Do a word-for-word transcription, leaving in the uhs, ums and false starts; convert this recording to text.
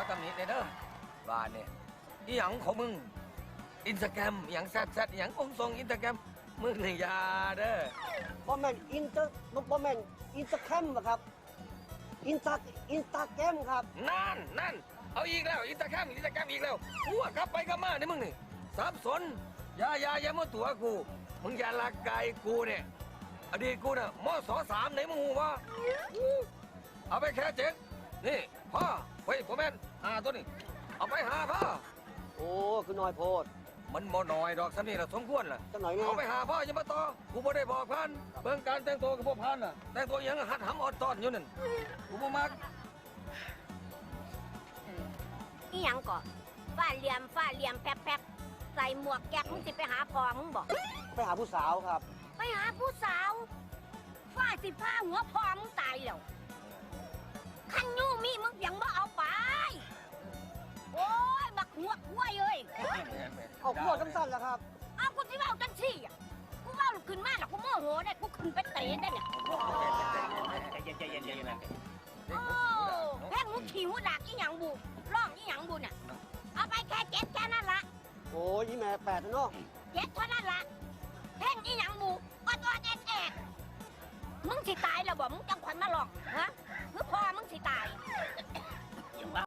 ตำหนิเด้อว่าเนี่ยอีหยังของมึงอินสตาแกรมอหย่างแซดแซดอหย่างองทรงอินสตาแกรมมึงนี่อยาเด้อบ่แม่นอินเตอร์บ่แม่นอินสตาแกรมครับอินสตาอินสตาแกรมครับนั่นนั่นเอาอีกแล้วอินสตาแกรมอินสตาแกรมอีกแล้วกูว่ากลับไปกลับมาเนี่ยมึงนี่สับสนอย่าอย่าอย่ามาตัวกูมึงอย่าลักไก่กูเนี่ยอดีตกูน่ะมศสามไหนมึงหูวะเอาไปแค่เจ็ดนี่พ่อเฮ้ยผมแม่นหาตัวนี่เอาไปหาพ่อโอ้คือน้อยโพดมันบ่น้อยดอกสำนี่ละสมควรล่ะจังหน่อยเนี่ยเอาไปหาพ่ออย่ามาต่อกูบ่ได้บอกพันเบิ่งการแต่งตัวกับพวกพันน่ะแต่งตัวอยังหัดหำออดตอนอยู่นั่นกูบ่มักอีหยังก่อฝ้าเหลี่ยมฝ้าเหลี่ยมแป๊บแป๊บใส่หมวกแก๊กมึงสิไปหาพอมึงบอกไปหาผู้สาวครับไปหาผู้สาวฝ้าสิผ้าหัวพอมึงตายแล้วขันยูมีมึงยังบ่เอาไปโอ้ยบักหัวห้วยเอ้ยเอาขวดสั้นๆแล้วครับเอากูที่ว่าจังซี่อ่ะกูว่าขึ้นมาแล้วกูโมโหได้กูขึ้นไปเตะได้เนี่ยใจเย็นใจเย็นใจเย็นโอ้แพ่งมึงขี่หัวดากอีหยังบูร้องอีหยังบูน่ะเอาไปแค่เจ็ดแค่นั้นละโอ้ยอีแม่แปดแล้วเนาะเจ็ดเท่านั้นละ